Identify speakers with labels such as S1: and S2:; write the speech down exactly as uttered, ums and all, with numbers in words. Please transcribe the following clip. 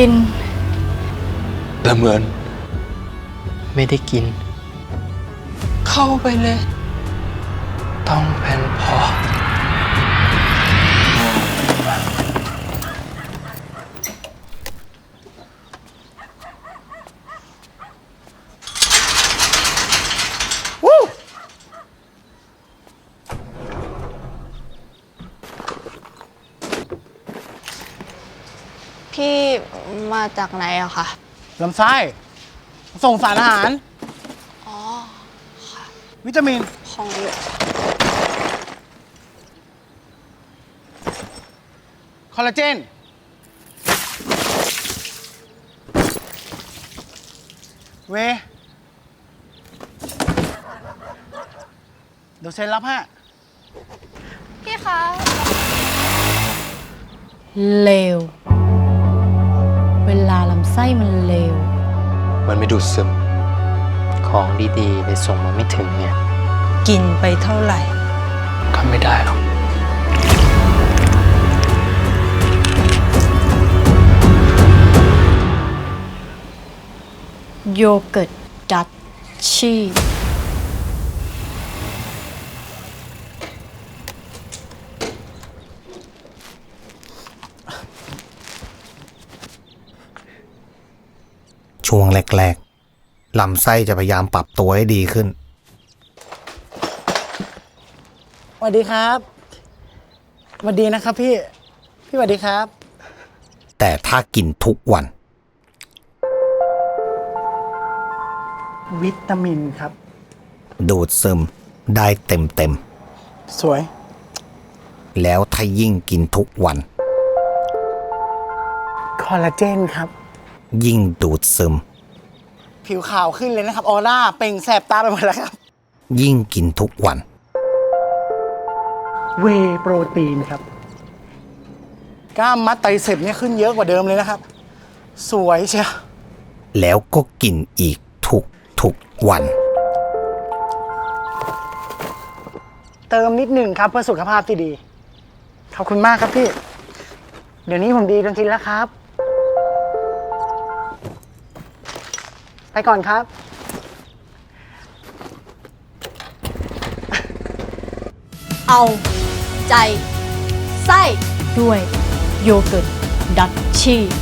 S1: กิน
S2: แต่เหมือน
S3: ไม่ได้กิน
S2: เข้าไปเลยต้องเป็นพอ
S1: พี่มาจากไหนอะคะ
S4: ลำไส้ส่งสารอาหาร
S1: อ๋อค่ะ
S4: วิตามิน
S1: ของ
S4: คอลลาเจน เวเดี๋ยวเซ็นรับฮะ
S1: พี่คะ
S5: เลวเวลาลำไส้มันเลว
S2: มันไม่ดูดซึม
S3: ของดีๆเลยส่งมาไม่ถึงเนี่ย
S6: กินไปเท่าไหร่
S2: ทำไม่ได้หรอก
S5: โยเกิร์ตดัชชี่
S7: ช่วงแรกๆลำไส้จะพยายามปรับตัวให้ดีขึ้น
S4: สวัสดีครับสวัสดีนะครับพี่ พี่สวัสดีครับ
S7: แต่ถ้ากินทุกวัน
S4: วิตามินครับ
S7: ดูดซึมได้เต็มเต็ม
S4: สวย
S7: แล้วถ้ายิ่งกินทุกวัน
S4: คอลลาเจนครับ
S7: ยิ่งดูดซึม
S4: ผิวขาวขึ้นเลยนะครับ ออร่า เปล่งแสบตาไปหมดแล้วครับ
S7: ยิ่งกินทุกวัน
S4: เวย์โปรตีนครับ กล้ามมัดไตรเสพเนี่ยขึ้นเยอะกว่าเดิมเลยนะครับ สวยเชียว
S7: แล้วก็กินอีกทุกทุกวัน
S4: เติมนิดหนึ่งครับเพื่อสุขภาพที่ดี ขอบคุณมากครับพี่ เดี๋ยวนี้ผมดีจนชินแล้วครับ ไปก่อนครับ
S1: เอาใจไส้
S5: ด้วยโยเกิร์ตดัชชี่